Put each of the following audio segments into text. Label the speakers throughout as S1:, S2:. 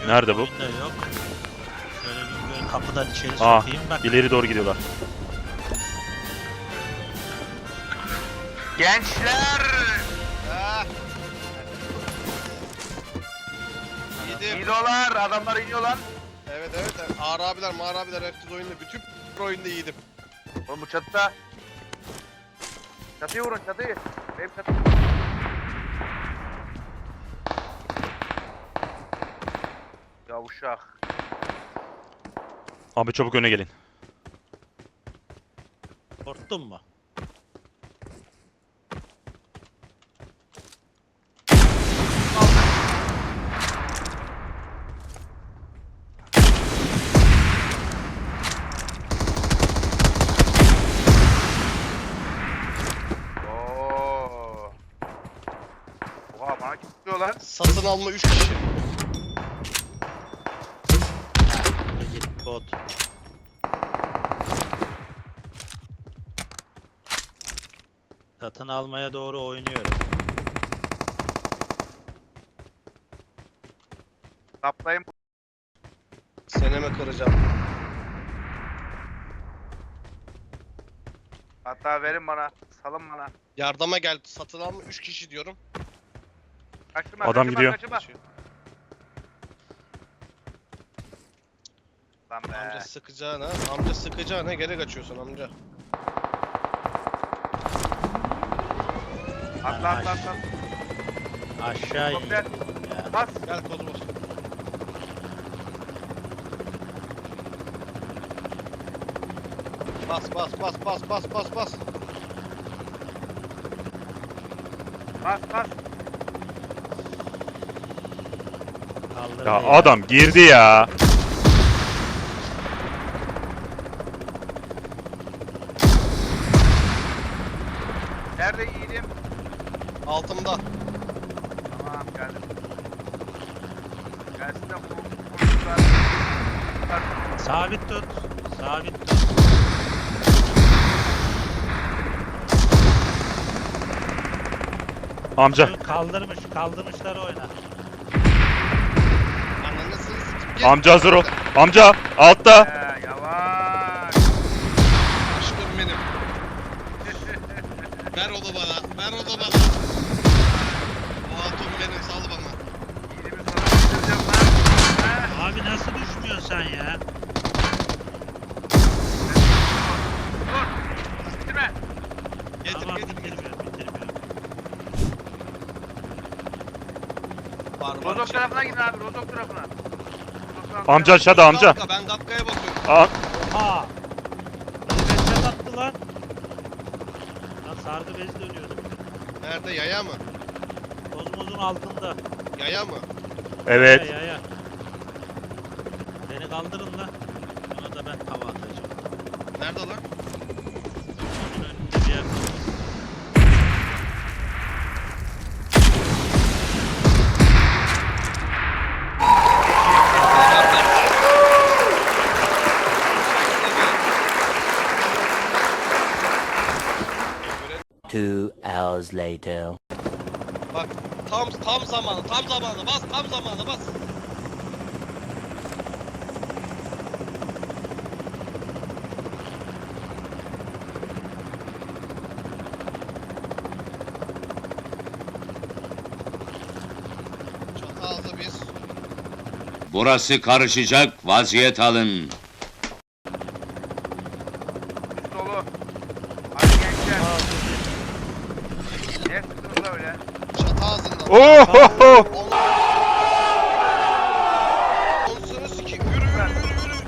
S1: Nerede bu?
S2: Oyunda yok. Şöyle bir böyle kapıdan içeri
S1: Aa,
S2: sokayım bak.
S1: ileri doğru gidiyorlar.
S3: Gençler!
S4: Yedim.
S3: İniyorlar, adamlar iniyorlar.
S4: Evet evet. Ağır abiler, mağar abiler herkes oyunda. Bütün oyunda yedim.
S3: Oğlum bu çatıda. Çatıyı vurun, çatıyı. Benim çatıyı. Ya uşak.
S1: Abi çabuk öne gelin.
S2: Korktun mu?
S3: Oo. Oha bana kim tutuyor lan?
S4: Satın alma 3 kişi.
S2: Git bot. Satın almaya doğru oynuyorum.
S3: Kaplayın.
S4: Seneme kıracağım.
S3: Hatta verin bana. Salın bana.
S4: Yardıma gel. Satın alma 3 kişi diyorum.
S3: Kaçtırma,
S1: Adam
S3: kaçırma,
S1: gidiyor.
S3: kaçırma. Lan be.
S4: Amca sıkacağına, amca sıkacağına geri kaçıyorsun amca.
S3: Atla atla atla.
S2: Aşağı in.
S3: Helikopter.
S2: Ya.
S3: Bas.
S4: Gel kodu bas. Bas bas bas bas bas bas bas.
S3: Bas bas.
S2: Kaldırdı
S1: Ya adam girdi ya.
S3: Nerede yiğidim?
S4: Altımda.
S3: Tamam geldim. Gelsin de vururlar.
S2: Sabit tut. Sabit tut.
S1: Amca.
S2: Kaldırmışlar oyna.
S4: Ananısını sikip gel.
S1: Amca hazır ol. Amca altta.
S3: Yavaş.
S4: Aşkım benim. Ver onu bana. Ver onu bana. O hatun benim. Sal bana.
S3: Yiğidimi sana getireceğim lan. Ha?
S2: Abi nasıl düşmüyorsun sen ya?
S3: Dur. Bitirme.
S4: Getir
S2: Tamam
S4: getir getir.
S2: bitirmiyorum.
S4: Var var.
S3: Rozok
S4: şey.
S3: tarafına gidin abi. Rozok tarafına. Rozok tarafına.
S1: Amca aşağıda amca.
S4: Kapka, ben kapkaya bakıyorum.
S1: Aa,
S2: Aa! Headshot attı lan. Lan sargı bezi dönüyordu.
S4: Nerede? Yaya mı?
S2: Kozmozun altında.
S4: Yaya mı?
S1: evet.
S2: Ya. Beni kaldırın lan. Ona da ben hava atacağım.
S4: Nerede lan?
S2: Onun önünde bir yer.
S5: Two hours later.
S4: Bak tam zamanı bas tam zamanı bas. Çatı ağzı bir.
S6: Burası karışacak, vaziyet alın.
S3: Üst dolu. Hadi gençler. Ne sıktınız öyle?
S4: Çatı ağzında.
S1: Ohoho.
S4: Onsunu sikeyim. Yürü yürü yürü yürü.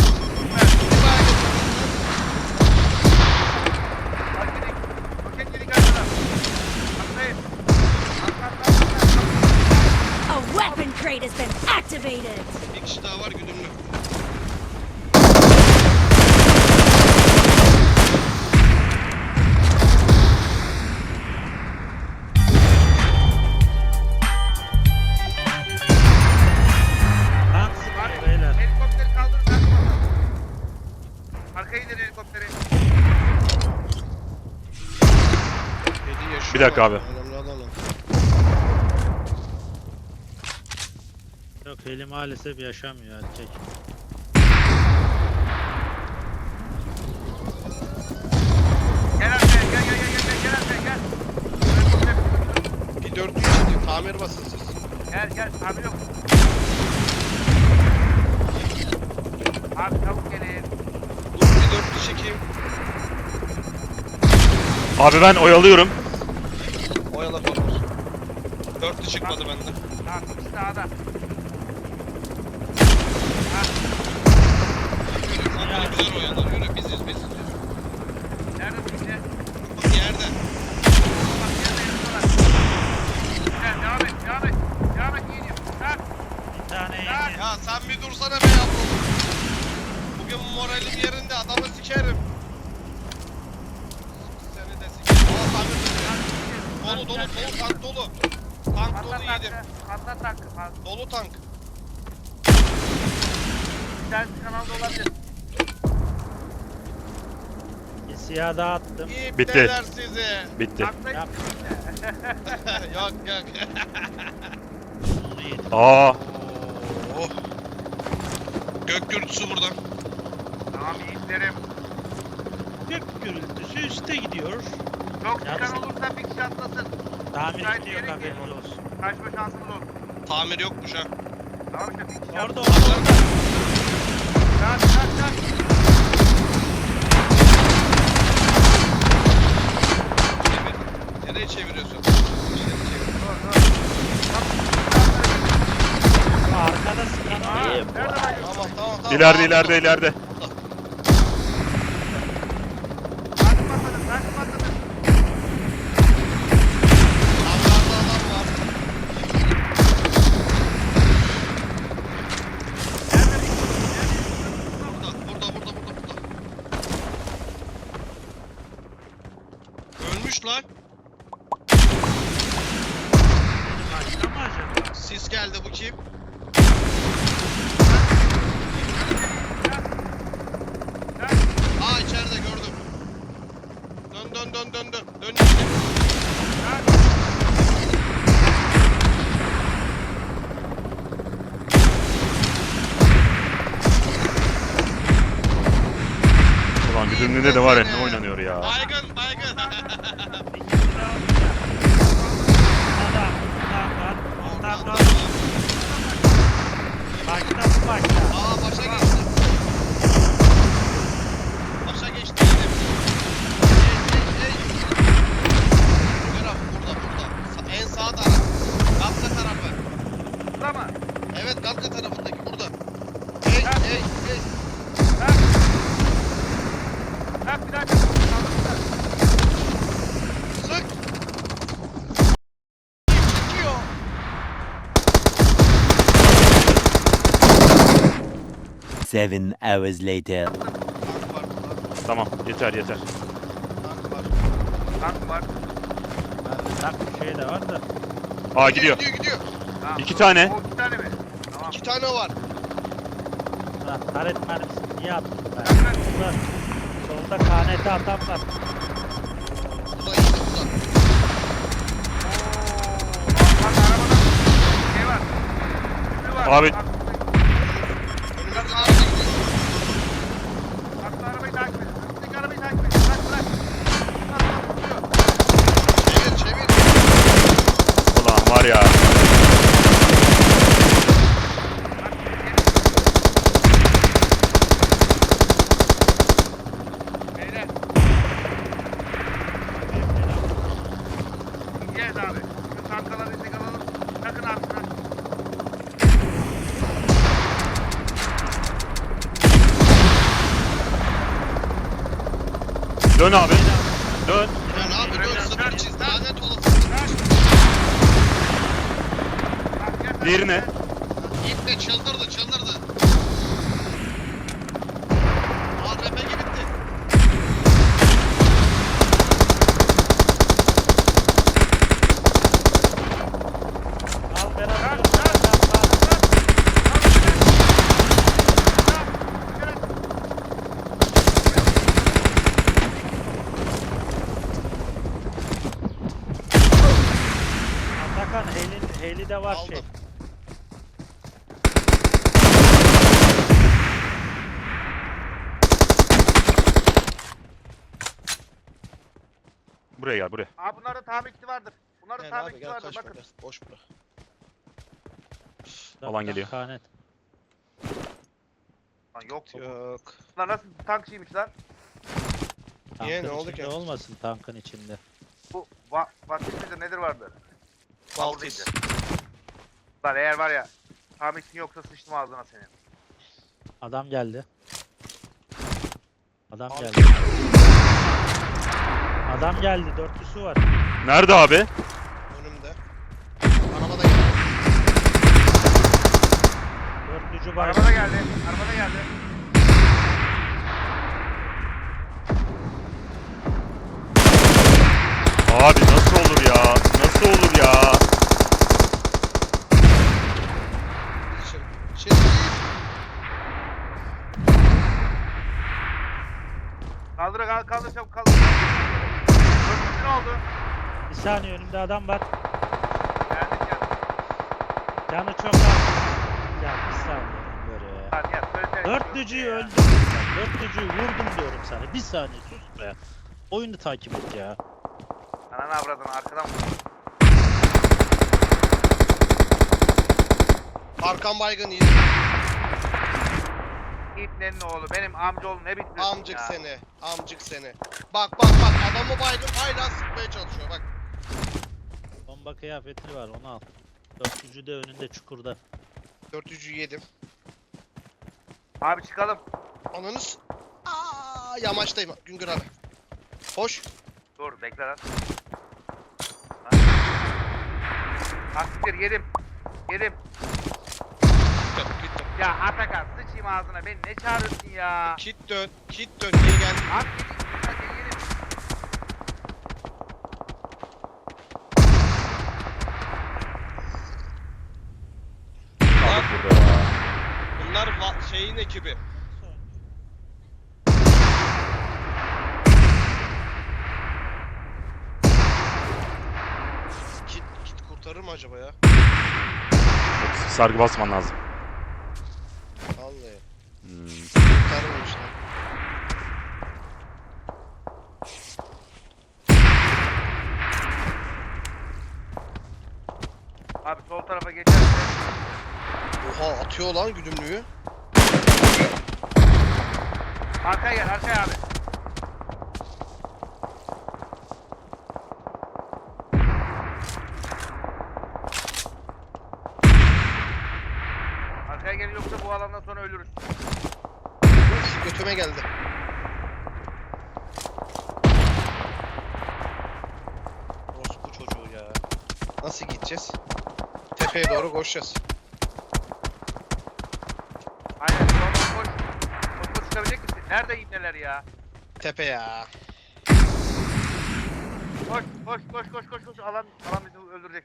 S3: Hadi gidik. Roket gidik arkadan. Atlayın. Atla.
S7: A weapon crate has been activated!
S4: Bir kişi daha var güdümlü.
S2: Lan sıkıyor beyler.
S3: Helikopteri kaldırın. Kalkma. Arkaya gidin helikopteri.
S4: Kedi yaşıyor.
S1: Bir dakika abi.
S4: Önemli olan o.
S2: Yok Heli maalesef yaşamıyor erkek.
S3: Gel Alper gel Alper gel.
S4: Bir 400 şimdi tamir basın siz.
S3: Gel abi yok. Abi çabuk gelin.
S4: Dur bir 400 çekeyim.
S1: Abi ben oyalıyorum.
S4: Oyala korkuz. 400 çıkmadı bende.
S3: Tamam ikisi sağda.
S4: Yürü sen böyle güzel oyalar. Yürü biziz.
S3: Nerede bu ikisi?
S4: Bak yerde.
S3: Bak yerde yatıyorlar. Gel devam et yiyelim. Kalk.
S2: Bir tane yedi.
S4: Ya sen bir dursana be yavrum. Bugün moralim yerinde adamı sikerim. Seni de sikerim. Aa tamir tutuyor. Dolu tank dolu. Tank dolu yedim.
S3: Patlat tankı.
S4: Dolu tank.
S3: Bir tanesi kanalda olabilir.
S2: Bir siyah daha attım.
S4: İpteler sizi.
S1: Bitti.
S3: Tankta
S2: Yap.
S4: Yok.
S2: Onu yedim.
S1: Aa,
S4: Oh. Gök gürültüsü buradan.
S3: Tamam yiğitlerim.
S2: Gök gürültüsü üste gidiyor.
S3: Çok
S2: Yalnız-
S3: çıkan olursa bir kişi atlasın.
S2: Tamir
S3: Müsait
S2: gidiyor
S3: yere
S2: haberiniz
S3: gel.
S2: olsun.
S3: Kaçma şansımız olsun.
S4: Tamir yokmuş ha.
S3: Tamam işte bir kişi
S2: Orada
S3: atlasın.
S2: orada.
S3: Kalk.
S4: Çevir. Nereye çeviriyorsun?
S2: Arkada sıkan var.
S3: Nerede var?
S4: Tamam.
S1: ileride.
S3: Tankı patladı.
S4: Hangarda adam var. Burada. Ölmüş lan.
S2: Başka mı acaba?
S4: Sis geldi bu kim? Aa içeride gördüm. Dön. Dön işte.
S1: Ulan güdümlüde de var ya ne oynanıyor ya.
S4: Baygın.
S2: Ondan var. Başta bu başta.
S4: Aa başa geçti. Başa geçti yedim. Hey. Görüyorum burada. En sağ taraf. Gazze tarafı.
S3: Burada mı?
S4: Evet Gazze tarafındaki burada. Hey.
S3: Kalk bir dakika.
S4: Sık. Çekiyor.
S5: 7 hours later.
S4: Tank var burada.
S1: Tamam yeter.
S4: Tank var.
S3: Tank var.
S2: Tak bir şey de var da.
S1: Aa gidiyor.
S4: Gidiyor.
S3: Tamam.
S1: 2 tane.
S3: O 2 tane mi? Tamam.
S4: 2 tane var.
S2: Ha, taret mermisi niye attım ben?
S3: Bak.
S2: Solda KNT atan var.
S4: Burada iyi burada.
S3: Bak arabada şey var. Üstü var.
S1: Abi.
S3: Bak,
S4: Önümüzde araba gidiyor.
S3: Atlı arabayı takip edin. Üstteki arabayı takip edin. Bırak.
S4: Çevir.
S1: Ulan var ya.
S3: Beyler. İneceğiz abi. Şu tankaları indik alalım. Takın abi şuna.
S1: Dön abi. Dön.
S4: Ya ne yapıyorsun?
S3: Dön.
S4: Sıfır çiz. Lanet olası.
S3: Bak, gel.
S1: Diğerine.
S4: Gitme çıldırdı. Aa RPG bitti.
S2: Al beraber. Atakan heli de var şey.
S4: Aldım.
S1: Buraya gel buraya.
S3: Abi bunların tamir kiti vardır. Bunların
S4: Gel
S3: tamir
S4: abi
S3: kiti
S4: gel
S3: vardır
S4: kaçma
S3: bakın.
S4: gel. Boş bura.
S1: Alan geliyor.
S2: Kanet.
S3: Lan yok.
S4: Yok.
S3: Bunlar nasıl tankçıymış lan?
S4: Niye,
S2: Tankın
S4: ne oldu
S2: içinde
S4: ki?
S2: olmasın tankın içinde.
S3: Bu vakit midir nedir vardı?
S4: Baltis.
S3: Lan eğer var ya tamir kitin yoksa sıçtım ağzına senin.
S2: Adam geldi. Adam
S4: Abi.
S2: geldi. Adam geldi. Dörtlüsü var.
S1: Nerede abi?
S4: Önümde. Arabada geldi.
S2: Dörtlücü var.
S3: Arabada geldi. Arabada geldi.
S1: Abi nasıl olur ya? Nasıl olur ya?
S4: Şey.
S3: Kaldır çabuk kaldır. Dörtlüsü ne oldu?
S2: Bir saniye önümde adam var.
S3: Geldik ya.
S2: Canı çok az. Ya bir saniye böyle.
S3: Lan ya söylesene.
S2: Dörtlücüyü öldürdüm. Dörtlücüyü vurdum diyorum sana. Bir saniye sus be. Oyunu takip et ya.
S3: Ananı avradını arkadan vur.
S4: Arkan baygın iyi.
S3: İbnenin oğlu benim amcaoğlu ne bitiriyorsun
S4: Amcık
S3: ya?
S4: seni. Amcık seni. Bak adamı baygın hala sıkmaya çalışıyor bak.
S2: Bomba kıyafeti var onu al. Dörtlücü de önünde çukurda.
S4: 400'ü yedim.
S3: Abi çıkalım.
S4: Ananız. Yamaçtayım Güngör abi. Hoş.
S3: Dur bekle lan. Taktiktir yedim. Yedim.
S4: Gittim.
S3: Ya Atakan sıçayım ağzına beni ne çağırıyorsun ya?
S4: Kit dön. Kit dön. Geri geldim.
S3: Abi yedim.
S1: Kaldık burada ya.
S4: Bunlar şeyin ekibi. Kit kurtarır mı acaba ya?
S1: Sargı basman lazım.
S4: Vallahi.
S1: Hmm.
S4: Kurtarır işte.
S3: Abi sol tarafa geçerse.
S4: Oha atıyor lan güdümlüğü.
S3: Arkaya gel arkaya abi. Arkaya gel yoksa bu alandan sonra ölürüz.
S4: Uf götüme geldi. Orospu çocuğu ya. Nasıl gideceğiz? Tepeye doğru koşacağız.
S3: Aynen sonra koş. Koş çıkabilecek misin? Nerede ibneler ya?
S4: Tepe ya.
S3: Koş. Alan bizi öldürecek.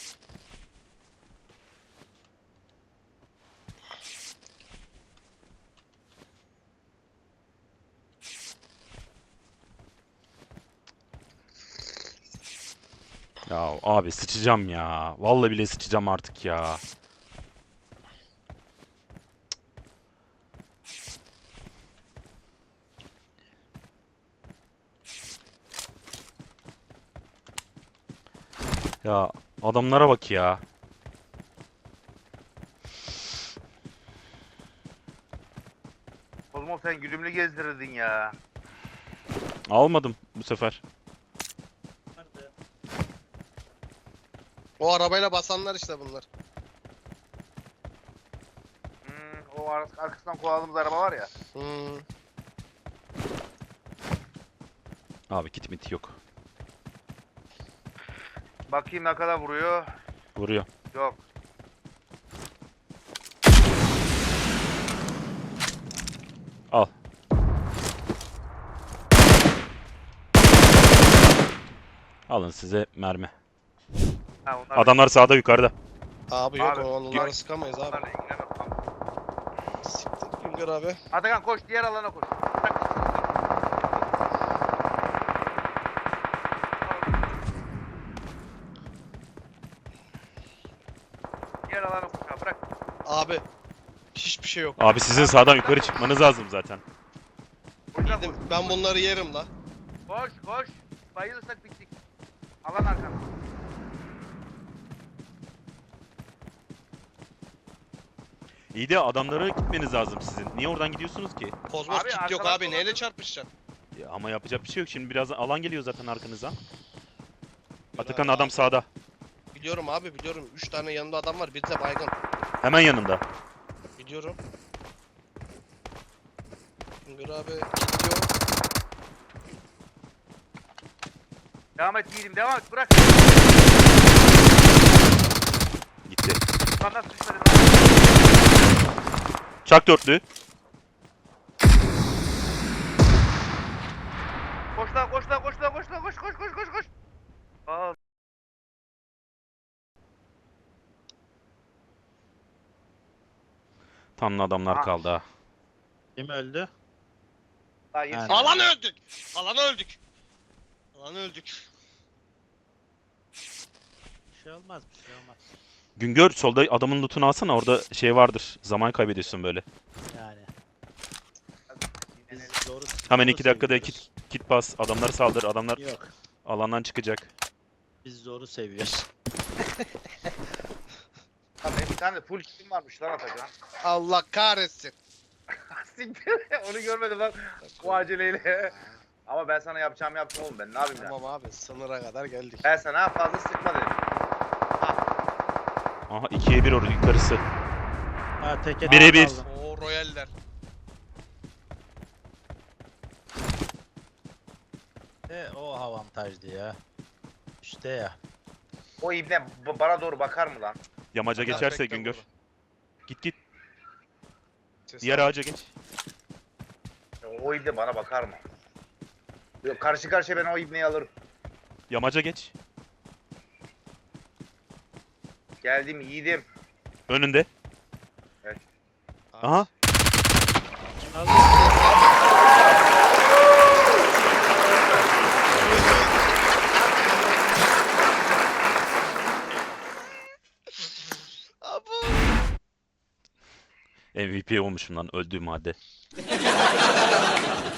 S1: Ya abi sıçacağım ya. Vallahi bile sıçacağım artık ya. Ya adamlara bak ya.
S3: Oğlum sen güdümlü gezdirirdin ya.
S1: Almadım bu sefer.
S4: O arabayla basanlar işte bunlar.
S3: O arkasından kovaladığımız araba var ya.
S1: Abi kit mit yok.
S3: Bakayım ne kadar vuruyor.
S1: Vuruyor.
S3: Yok.
S1: Al. Alın size mermi.
S3: Ha, onlar
S1: Adamlar sağda yukarıda.
S4: Abi yok
S3: Abi,
S4: onları sıkamayız abi.
S3: onlarla ilgilenemem.
S4: Siktir Güngör abi.
S3: Atakan koş diğer alana koş. Bırak. Diğer alana koş ha bırak.
S4: Abi hiçbir şey yok.
S1: Abi sizin sağdan yukarı çıkmanız lazım zaten.
S3: O yüzden
S4: Ben bunları yerim la.
S3: koş. bayılırsak bittik. Alan arkana.
S1: İyi de adamlara gitmeniz lazım sizin. Niye oradan gidiyorsunuz ki?
S4: Kozmos
S3: Abi,
S4: kit yok
S3: arkadan
S4: abi.
S3: dolanın.
S4: Neyle çarpışacaksın?
S1: Ya ama yapacak bir şey yok. Şimdi biraz alan geliyor zaten arkanıza.
S4: Yürü
S1: Atakan
S4: abi,
S1: adam
S4: abi.
S1: sağda.
S4: Biliyorum abi biliyorum. 3 tane yanında adam var. Biri de baygın.
S1: Hemen yanında.
S4: Biliyorum. Güngör abi gidiyor.
S3: Devam et yiğidim devam et bırak.
S1: Gitti.
S3: Lan nasıl düşmedi lan?
S1: Çak dörtlü.
S3: Koş lan koş lan koş lan koş lan koş koş koş koş koş. Aa.
S1: Tamam adamlar
S3: Ah.
S1: kaldı ha.
S2: Kim öldü?
S3: Daha yeni-
S2: Yani.
S4: Alan öldük. Alan öldük. Alan öldük.
S2: Bir şey olmaz, bir şey olmaz.
S1: Güngör solda adamın lootunu alsana, orada şey vardır. Zaman kaybediyorsun böyle.
S2: Yani. Biz zoru,
S1: Hemen
S2: zoru
S1: 2 dakikada
S2: seviyoruz.
S1: kit bas. Adamları saldır. Adamlar
S2: Yok.
S1: alandan çıkacak.
S2: Biz zoru seviyoruz.
S3: Ha, benim bir tane de full kitim varmış lan Atacan.
S4: Allah kahretsin.
S3: Siktir. Onu görmedim lan. Bu aceleyle. Ama ben sana yapacağımı yaptım oğlum, ben ne yapayım ya.
S4: Tamam abi sınıra kadar geldik.
S3: Ben sana fazla sıkma dedim.
S1: Aha 2'ye 1 orada yukarısı.
S2: Ha teke
S1: Bire
S2: tek
S1: bir.
S2: kaldım.
S4: O royaller.
S2: O avantajdı ya. İşte ya.
S3: O ibne bana doğru bakar mı lan?
S1: Yamaca
S4: Bakar,
S1: geçerse
S4: bekle
S1: Güngör.
S4: burada.
S1: Git.
S4: Ses
S1: Diğer
S4: al.
S1: ağaca geç.
S3: O ibne bana bakar mı? Yok, karşı karşıya ben o ibneyi alırım.
S1: Yamaca geç.
S3: Geldim yiğidim.
S1: Önünde.
S3: Evet.
S1: Aha.
S4: Abo.
S1: MVP olmuşum lan öldüğüm halde.